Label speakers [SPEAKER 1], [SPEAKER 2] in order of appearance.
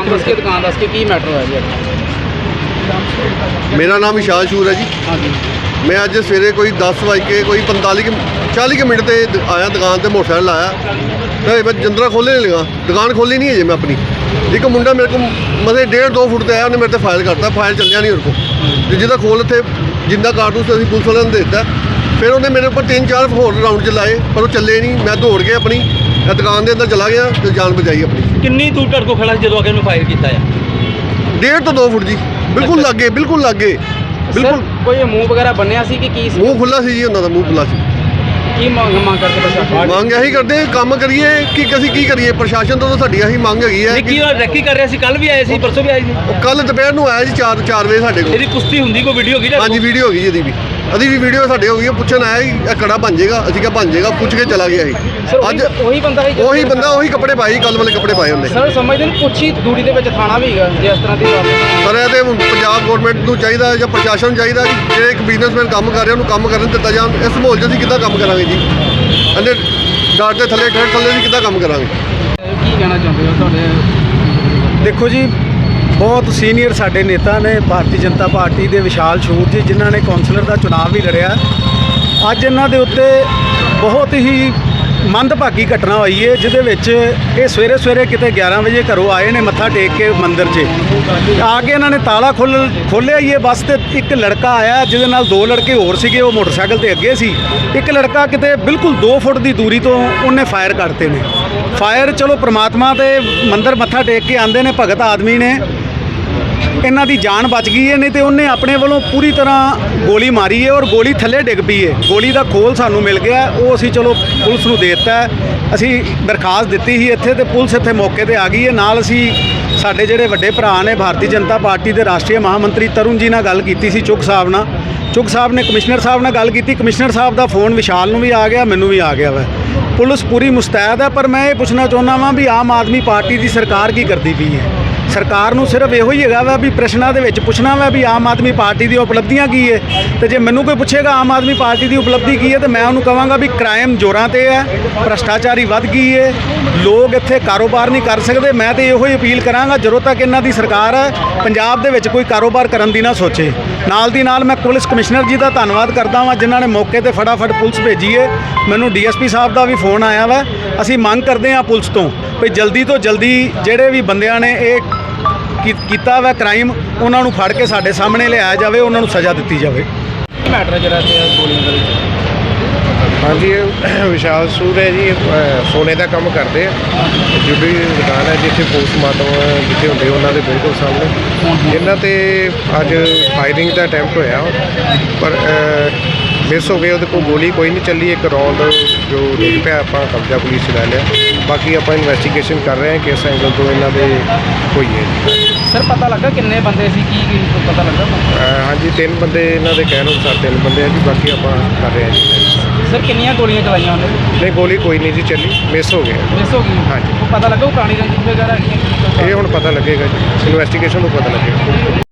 [SPEAKER 1] ਨਾਮ ਦੱਸ ਕੇ ਦੁਕਾਨ ਦੱਸ ਕੇ ਕੀ ਮੈਟਰ ਹੋਇਆ ਜੀ?
[SPEAKER 2] मेरा नाम विशाल शूर है जी।
[SPEAKER 1] हाँ जी।
[SPEAKER 2] मैं अज सवेरे कोई 10 बज के कोई 40 मिनट से आया दुकान से, मोटरसाइकिल आया तो मैं जंदरा खोलने नहीं लगा, दुकान खोली नहीं है जी मैं अपनी। एक मुंडा मेरे को मतलब 1.5-2 फुट से आया, उन्हें मेरे से फायर करता, फायर चलिया नहीं उनको तो जिदा खोल थे जिंदा कारतूस अभी पुलिस वाले ने दे दिता। फिर उन्हें मेरे ऊपर 3-4 होर राउंड चलाए पर वो चले नहीं। मैं दौड़ के अपनी दुकान के अंदर चला गया तो जान बचाई अपनी।
[SPEAKER 3] कितनी दूर तक को खड़ा जो आगे फायर किया है?
[SPEAKER 2] 1.5 फुट जी, बिल्कुल लागे, बिल्कुल लागे, बिल्कुल।
[SPEAKER 1] कोई मुंह वगैरह बनया सी कि की सी?
[SPEAKER 2] ਮੂੰਹ ਖੁੱਲਾ ਸੀ ਜੀ ਉਹਨਾਂ ਦਾ, ਮੂੰਹ ਖੁੱਲਾ ਸੀ।
[SPEAKER 1] ਕੀ ਮੰਗ ਕਰਦੇ ਪ੍ਰਸ਼ਾਸਨ?
[SPEAKER 2] ਮੰਗ ਇਹੀ ਕਰਦੇ ਕੰਮ ਕਰੀਏ ਕਿ ਅਸੀਂ ਕੀ ਕਰੀਏ, ਪ੍ਰਸ਼ਾਸਨ ਤੋਂ ਤਾਂ ਸਾਡੀ ਇਹੀ ਮੰਗ ਹੈਗੀ ਹੈ
[SPEAKER 3] ਨਿੱਕੀ ਔਰ ਰੈਕੀ ਕਰ ਰਿਹਾ ਸੀ, ਕੱਲ ਵੀ ਆਏ ਸੀ, ਪਰਸੋਂ ਵੀ ਆਏ ਸੀ।
[SPEAKER 2] ਉਹ ਕੱਲ ਦੁਪਹਿਰ ਨੂੰ ਆਇਆ ਜੀ 4 ਵਜੇ ਸਾਡੇ ਕੋਲ।
[SPEAKER 3] ਇਹਦੀ ਕੁਸ਼ਤੀ ਹੁੰਦੀ ਕੋਈ ਵੀਡੀਓ ਹੋਗੀ?
[SPEAKER 2] ਹਾਂਜੀ ਵੀਡੀਓ ਹੋ ਗਈ ਜੀ, ਇਹਦੀ ਵੀ ਵੀਡੀਓ ਸਾਡੇ ਹੋ ਗਈ। ਪੁੱਛਣ ਆਇਆ ਜੀ ਇਹ ਕੜਾ ਬਣ ਜਾਏਗਾ, ਅਸੀਂ ਕਿਹਾ ਬਣ ਜਾਏਗਾ, ਪੁੱਛ ਕੇ ਚਲਾ ਗਿਆ ਸੀ। ਅੱਜ
[SPEAKER 1] ਉਹੀ ਬੰਦਾ
[SPEAKER 2] ਉਹੀ ਕੱਪੜੇ ਪਾਏ, ਕੱਲ ਵਾਲੇ ਕੱਪੜੇ ਪਾਏ ਉਹਨੇ।
[SPEAKER 1] ਸਰ ਸਮਝਦੇ ਨੇ ਕੁਛ ਹੀ ਦੂਰੀ ਦੇ ਵਿੱਚ ਥਾਣਾ ਵੀ ਹੈਗਾ ਜੇ ਇਸ ਤਰ੍ਹਾਂ ਦੀ ਗੱਲ ਹੈ।
[SPEAKER 2] ਪਰ ਇਹ ਤੇ ਪੰਜਾਬ ਗੌਰਮੈਂਟ ਨੂੰ ਚਾਹੀਦਾ ਜਾਂ ਪ੍ਰਸ਼ਾਸਨ ਨੂੰ ਚਾਹੀਦਾ ਕਿ ਜਿਹੜੇ ਇੱਕ ਬਿਜ਼ਨਸਮੈਨ ਕੰਮ ਕਰ ਰਿਹਾ ਉਹਨੂੰ ਕੰਮ ਕਰਨ ਦਿੱਤਾ ਜਾਣ। ਇਸ ਮਾਹੌਲ 'ਚ ਅਸੀਂ ਕਿੱਦਾਂ ਕੰਮ ਕਰਾਂਗੇ ਜੀ? ਅੰਨੇ ਡਾਟ ਦੇ ਥੱਲੇ ਅਸੀਂ ਕਿੱਦਾਂ ਕੰਮ ਕਰਾਂਗੇ?
[SPEAKER 1] ਕੀ ਕਹਿਣਾ ਚਾਹੁੰਦੇ ਹੋ ਤੁਹਾਡੇ?
[SPEAKER 4] ਦੇਖੋ ਜੀ, ਬਹੁਤ ਸੀਨੀਅਰ ਸਾਡੇ ਨੇਤਾ ਨੇ ਭਾਰਤੀ ਜਨਤਾ ਪਾਰਟੀ ਦੇ ਵਿਸ਼ਾਲ ਸ਼ੂਰ ਜੀ, ਜਿਨ੍ਹਾਂ ਨੇ ਕੌਂਸਲਰ ਦਾ ਚੁਣਾਵ ਵੀ ਲੜਿਆ। ਅੱਜ ਇਹਨਾਂ ਦੇ ਉੱਤੇ ਬਹੁਤ ਹੀ ਮੰਦਭਾਗੀ ਘਟਨਾ ਹੋਈ ਹੈ, ਜਿਹਦੇ ਵਿੱਚ ਇਹ ਸਵੇਰੇ ਕਿਤੇ 11 ਵਜੇ ਘਰੋਂ ਆਏ ਨੇ ਮੱਥਾ ਟੇਕ ਕੇ ਮੰਦਿਰ 'ਚ ਆ ਕੇ ਇਹਨਾਂ ਨੇ ਤਾਲਾ ਖੋਲ੍ਹਿਆ ਹੀ ਹੈ ਬਸ। ਤੇ ਇੱਕ ਲੜਕਾ ਆਇਆ ਜਿਹਦੇ ਨਾਲ 2 ਲੜਕੇ ਹੋਰ ਸੀਗੇ, ਉਹ ਮੋਟਰਸਾਈਕਲ ਤੇ ਅੱਗੇ ਸੀ। ਇੱਕ ਲੜਕਾ ਕਿਤੇ ਬਿਲਕੁਲ 2 ਫੁੱਟ ਦੀ ਦੂਰੀ ਤੋਂ ਉਹਨੇ ਫਾਇਰ ਕਰਤੇ ਨੇ। ਫਾਇਰ ਚਲੋ ਪ੍ਰਮਾਤਮਾ ਦੇ ਮੰਦਿਰ ਮੱਥਾ ਟੇਕ ਕੇ ਆਉਂਦੇ ਨੇ ਭਗਤ ਆਦਮੀ ਨੇ, ਇਹਨਾਂ ਦੀ ਜਾਨ ਬਚ ਗਈ ਹੈ, ਨਹੀਂ ਤੇ ਉਹਨੇ ਆਪਣੇ ਵੱਲੋਂ ਪੂਰੀ ਤਰ੍ਹਾਂ ਗੋਲੀ ਮਾਰੀ ਹੈ ਔਰ ਗੋਲੀ ਥੱਲੇ ਡਿੱਗ ਪਈ ਹੈ। ਗੋਲੀ ਦਾ ਖੋਲ ਸਾਨੂੰ ਮਿਲ ਗਿਆ, ਉਹ ਅਸੀਂ ਚਲੋ ਪੁਲਿਸ ਨੂੰ ਦੇ ਦਿੱਤਾ। ਅਸੀਂ ਦਰਖਾਸਤ ਦਿੱਤੀ ਸੀ ਇੱਥੇ ਤੇ ਪੁਲਿਸ ਇੱਥੇ ਮੌਕੇ ਤੇ ਆ ਗਈ ਹੈ। ਨਾਲ ਅਸੀਂ ਸਾਡੇ ਜਿਹੜੇ ਵੱਡੇ ਭਰਾ ਨੇ ਭਾਰਤੀ ਜਨਤਾ ਪਾਰਟੀ ਦੇ ਰਾਸ਼ਟਰੀ ਮਹਾਮੰਤਰੀ ਤਰੁਣ ਜੀ ਨਾਲ ਗੱਲ ਕੀਤੀ ਸੀ, ਚੁੱਕ ਸਾਹਿਬ ਨਾਲ। ਚੁੱਕ ਸਾਹਿਬ ਨੇ ਕਮਿਸ਼ਨਰ ਸਾਹਿਬ ਨਾਲ ਗੱਲ ਕੀਤੀ, ਕਮਿਸ਼ਨਰ ਸਾਹਿਬ ਦਾ ਫੋਨ ਵਿਸ਼ਾਲ ਨੂੰ ਵੀ ਆ ਗਿਆ, ਮੈਨੂੰ ਵੀ ਆ ਗਿਆ ਵਾ। ਪੁਲਿਸ ਪੂਰੀ ਮੁਸਤੈਦ ਹੈ। ਪਰ ਮੈਂ ਇਹ ਪੁੱਛਣਾ ਚਾਹੁੰਦਾ ਵਾਂ ਵੀ ਆਮ ਆਦਮੀ ਪਾਰਟੀ ਦੀ ਸਰਕਾਰ ਕੀ ਕਰਦੀ ਪਈ ਹੈ? ਸਰਕਾਰ ਨੂੰ ਸਿਰਫ ਇਹੋ ਹੀ ਹੈਗਾ ਵਾ ਵੀ ਪ੍ਰਸ਼ਨਾਂ ਦੇ ਵਿੱਚ ਪੁੱਛਣਾ ਵਾ ਵੀ ਆਮ ਆਦਮੀ ਪਾਰਟੀ ਦੀ ਉਪਲਬਧੀਆਂ ਕੀ ਹੈ। ਤੇ ਜੇ ਮੈਨੂੰ ਕੋਈ ਪੁੱਛੇਗਾ ਆਮ ਆਦਮੀ ਪਾਰਟੀ ਦੀ ਉਪਲਬਧੀ ਕੀ ਹੈ ਤੇ ਮੈਂ ਉਹਨੂੰ ਕਹਾਂਗਾ ਵੀ ਕ੍ਰਾਈਮ ਜ਼ੋਰਾਂ ਤੇ ਹੈ, ਭ੍ਰਸ਼ਟਾਚਾਰੀ ਵੱਧ ਗਈ ਹੈ, ਲੋਕ ਇੱਥੇ ਕਾਰੋਬਾਰ ਨਹੀਂ ਕਰ ਸਕਦੇ। ਮੈਂ ਤੇ ਇਹੋ ਹੀ ਅਪੀਲ ਕਰਾਂਗਾ, ਜਦੋਂ ਤੱਕ ਇਹਨਾਂ ਦੀ ਸਰਕਾਰ ਹੈ ਪੰਜਾਬ ਦੇ ਵਿੱਚ ਕੋਈ ਕਾਰੋਬਾਰ ਕਰਨ ਦੀ ਨਾ ਸੋਚੇ। ਨਾਲ ਦੀ ਨਾਲ ਮੈਂ ਪੁਲਿਸ ਕਮਿਸ਼ਨਰ ਜੀ ਦਾ ਧੰਨਵਾਦ ਕਰਦਾ ਵਾਂ ਜਿਨ੍ਹਾਂ ਨੇ ਮੌਕੇ ਤੇ ਫਟਾਫਟ ਪੁਲਿਸ ਭੇਜੀ ਹੈ। ਮੈਨੂੰ ਡੀਐਸਪੀ ਸਾਹਿਬ ਦਾ ਵੀ ਫੋਨ ਆਇਆ ਵਾ। ਅਸੀਂ ਮੰਗ ਕਰਦੇ ਹਾਂ ਪੁਲਿਸ ਤੋਂ ਵੀ ਜਲਦੀ ਤੋਂ ਜਲਦੀ ਜਿਹੜੇ ਵੀ ਬੰਦਿਆਂ ਨੇ ਇਹ ਕੀਤਾ ਵਾ ਕ੍ਰਾਈਮ, ਉਹਨਾਂ ਨੂੰ ਫੜ ਕੇ ਸਾਡੇ ਸਾਹਮਣੇ ਲਿਆਇਆ ਜਾਵੇ, ਉਹਨਾਂ ਨੂੰ ਸਜ਼ਾ ਦਿੱਤੀ ਜਾਵੇ।
[SPEAKER 1] ਕੀ ਮੈਟਰ ਹੈ ਜਿਹੜਾ ਇੱਥੇ ਗੋਲੀਆਂ ਦਾ?
[SPEAKER 5] ਹਾਂਜੀ, ਇਹ ਵਿਸ਼ਾਲ ਸ਼ੂਰ ਹੈ ਜੀ, ਸੋਨੇ ਦਾ ਕੰਮ ਕਰਦੇ ਆ। ਜੁੜੀ ਦੁਕਾਨ ਹੈ ਜਿੱਥੇ ਪੋਸਟਮਾਰਟਮ ਜਿੱਥੇ ਹੁੰਦੇ ਉਹਨਾਂ ਦੇ ਬਿਲਕੁਲ ਸਾਹਮਣੇ। ਇਹਨਾਂ ਤੇ ਅੱਜ ਫਾਇਰਿੰਗ ਦਾ ਅਟੈਂਪਟ ਹੋਇਆ ਪਰ ਮਿਸ ਹੋ ਗਏ। ਉਹਦੇ ਕੋਲ ਗੋਲੀ ਕੋਈ ਨਹੀਂ ਚੱਲੀ, ਇੱਕ ਰੌਂਡ ਜੋ ਡਿੱਗ ਪਿਆ, ਆਪਾਂ ਕਬਜ਼ਾ ਪੁਲਿਸ 'ਚ ਲੈ ਲਿਆ। ਬਾਕੀ ਆਪਾਂ ਇਨਵੈਸਟੀਗੇਸ਼ਨ ਕਰ ਰਹੇ ਹਾਂ ਕਿਸ ਐਂਗਲ ਤੋਂ ਇਹਨਾਂ ਦੇ ਹੋਈ ਹੈ ਜੀ।
[SPEAKER 1] ਸਰ ਪਤਾ ਲੱਗਾ ਕਿੰਨੇ ਬੰਦੇ ਸੀ? ਕੀ ਪਤਾ ਲੱਗਾ?
[SPEAKER 5] ਹਾਂਜੀ 3 ਬੰਦੇ ਇਹਨਾਂ ਦੇ ਕਹਿਣ ਅਨੁਸਾਰ 3 ਬੰਦੇ ਆ ਜੀ। ਬਾਕੀ ਆਪਾਂ ਕਰ ਰਹੇ ਹਾਂ ਜੀ।
[SPEAKER 1] ਸਰ ਕਿੰਨੀਆਂ ਗੋਲੀਆਂ ਚਲਾਈਆਂ ਉਹਨੇ?
[SPEAKER 5] ਨਹੀਂ, ਗੋਲੀ ਕੋਈ ਨਹੀਂ ਜੀ ਚੱਲੀ, ਮਿਸ ਹੋ ਗਏ।
[SPEAKER 1] ਮਿਸ ਹੋ ਗਈ?
[SPEAKER 5] ਹਾਂਜੀ।
[SPEAKER 1] ਪਤਾ ਲੱਗਾ ਉਹ ਪੁਰਾਣੀ ਰੰਜਿਸ਼ ਵਗੈਰਾ ਹੈਗੀ?
[SPEAKER 5] ਇਹ ਹੁਣ ਪਤਾ ਲੱਗੇਗਾ ਜੀ, ਇਨਵੈਸਟੀਗੇਸ਼ਨ ਤੋਂ ਪਤਾ ਲੱਗੇਗਾ।